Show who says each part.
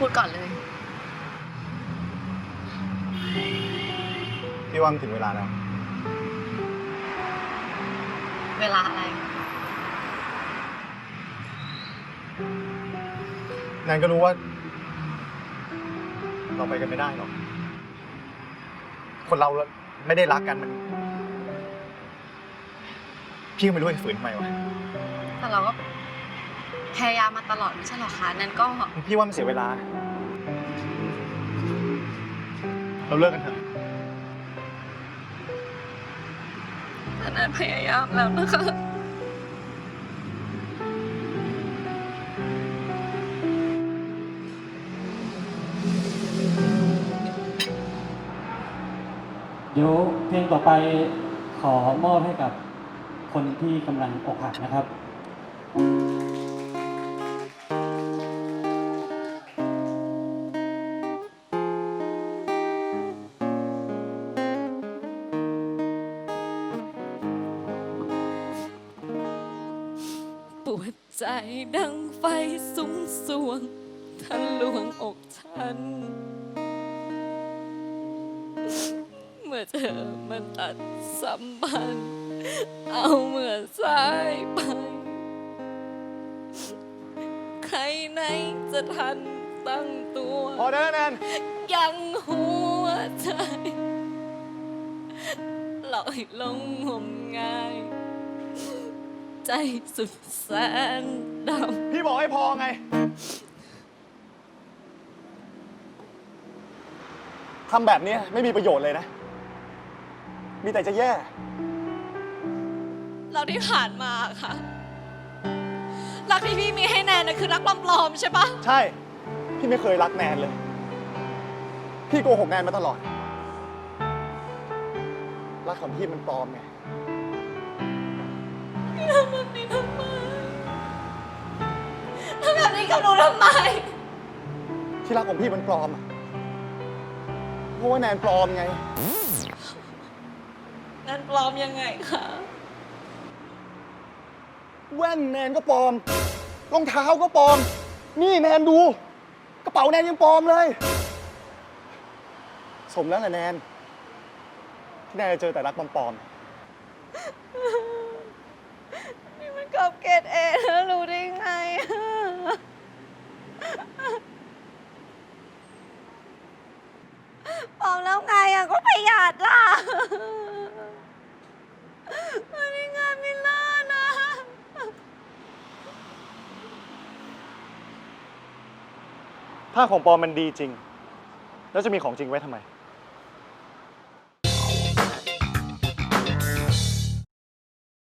Speaker 1: พูดก่อนเลย
Speaker 2: พี่ว่ามันถึงเวลาแล้ว
Speaker 1: เวลาอะไร
Speaker 2: แนนก็รู้ว่า เราไปกันไม่ได้หรอก คนเราไม่ได้รักกันมัน พี่ก็ไม่รู้จะฝืนทำไมวะ
Speaker 1: แต่เราก็พยายามมาตลอดไม่ใช่หรอคะนั้นก็
Speaker 2: พี่ว่ามันเสียเวลา เราเลิกกันเถอะ
Speaker 1: แต่นั้นพยายามแล้วนะคะ
Speaker 3: เดี๋ยวเพลงต่อไปขอมอบให้กับคนที่กำลังอกหักนะครับ
Speaker 1: ปวดใจดังไฟสุมสวงทะลวงอกฉัน เมื่อเธอมันตัดสัมพันธ์เอาเมื่อสายไป ใครไหนจะทันตั้งตัว
Speaker 2: พอได้แล้วแนน
Speaker 1: ยังหัวใจลอยลงงมงาย ใจสุดแสนดำ
Speaker 2: พี่บอกให้พอไง ทำแบบนี้ไม่มีประโยชน์เลยนะ มีแต่จะแย่
Speaker 1: เราที่ผ่านมาค่ะ รักที่พี่มีให้แนนนะคือรักปลอมๆใช่ปะ
Speaker 2: ใช่ พี่ไม่เคยรักแนนเลย พี่โกหกแนนมาตลอด รักของพี่มันปลอมไง
Speaker 1: พี่ทำแบบนี้ทำไมทำแบบนี้กับหนูทำไม
Speaker 2: ที่รักของพี่มันปลอมอะเพราะว่าแนนปลอมไง
Speaker 1: งั้นปลอมยังไงคะ
Speaker 2: แว่นแนนก็ปลอม รองเท้าก็ปลอม นี่แนนดู กระเป๋าแนนยังปลอมเลย สมแล้วแหละแนน ที่แนนจะเจอแต่รักปลอม
Speaker 1: นี่มันกับเกรดเอแล้วรู้ได้ไงปลอมแล้วไงอ่ะก็ประหยัดล่ะวันนี้งานไม่เลิศนะ
Speaker 2: ๆถ้าของปลอมมันดีจริง แล้วจะมีของจริงไว้ทำไม